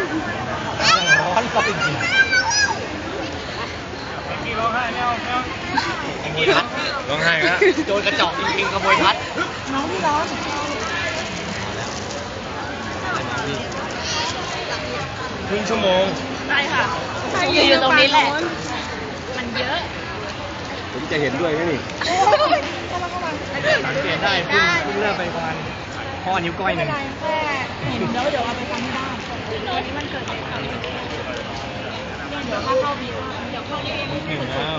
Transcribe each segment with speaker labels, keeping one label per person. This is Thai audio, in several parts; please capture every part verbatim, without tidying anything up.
Speaker 1: ร้อนก็จริงร้องไห้ไม่เอาไม่เอาขโมยทัดร้องไห้แล้วโจรกระจอกจริงๆขโมยทัดน้องพี่ร้องครึ่งชั่วโมงใช่ค่ะอยู่ตรงนี้แหละมันเยอะผมจะเห็นด้วยไหมนี่สังเกตได้เพิ่งเพิ่งเริ่มไปประมาณข้อนิ้วก้อยหนึ่งเห็นแล้วเดี๋ยวเอาไปทำที่บ้านวันนี้มันเกิดเหตุการณ์เดี๋ยวเข้าเข้าวีเดี๋ยวเข้าวีถึงแล้ว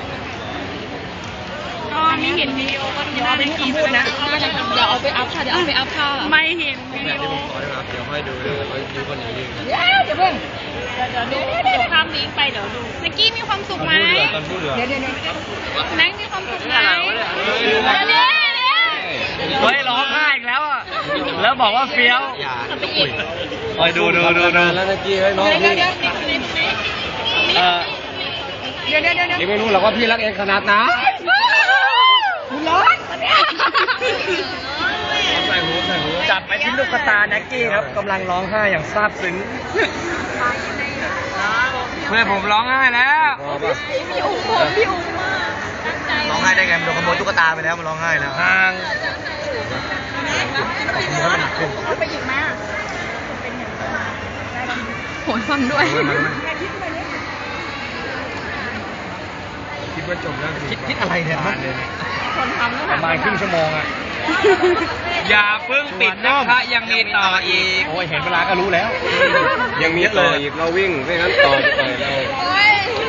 Speaker 1: ก็ไม่เห็นวิดีโอก็ดูได้ในคลิปนะเดี๋ยวเอาไปอัพค่ะเดี๋ยวเอาไปอัพค่ะไม่เห็นวิดีโอเดี๋ยวค่อยดูเดี๋ยวค่อยดูคนอื่นยืนเดี๋ยวเพิ่งเดี๋ยวดูเดี๋ยวข้ามลิงก์ไปเดี๋ยวดูนักกี้มีความสุขไหมเดี๋ยวเดี๋ยวนักมีความสุขไหมเดี๋ยวเดี๋ยวเฮ้ยร้องไห้อีกแล้วอ่ะแล้วบอกว่าเฟี้ยวคอยดูดูดูดูแล้วนักกี้ให้น้องพี่เออเดี๋ยวเดี๋ยวเดี๋ยวยังไม่รู้หรอกว่าพี่รักเองขนาดไหนคุณร้อนใส่หูใส่หูจับไปที่ลูกตาแน็กกี้ครับกำลังร้องไห้อย่างซาบซึ้งเพื่อนผมร้องไห้แล้วพี่อุ้มพี่อุ้มร้องไห้ได้ไงมันโดนขโมยตุ๊กตาไปแล้วมันร้องไห้แล้วห่างขโมยมันหนักขึ้นไปหยิบมาโหนฟังด้วยคิดว่าจบแล้วคิดคิดอะไรเนี่ยคนทำประมาณครึ่งชั่วโมงอ่ะอย่าเพิ่งปิดนะคะยังมีต่ออีกโอ้ยเห็นเวลาก็รู้แล้วยังมีต่ออีกเราวิ่งไม่งั้นต่อไปเลย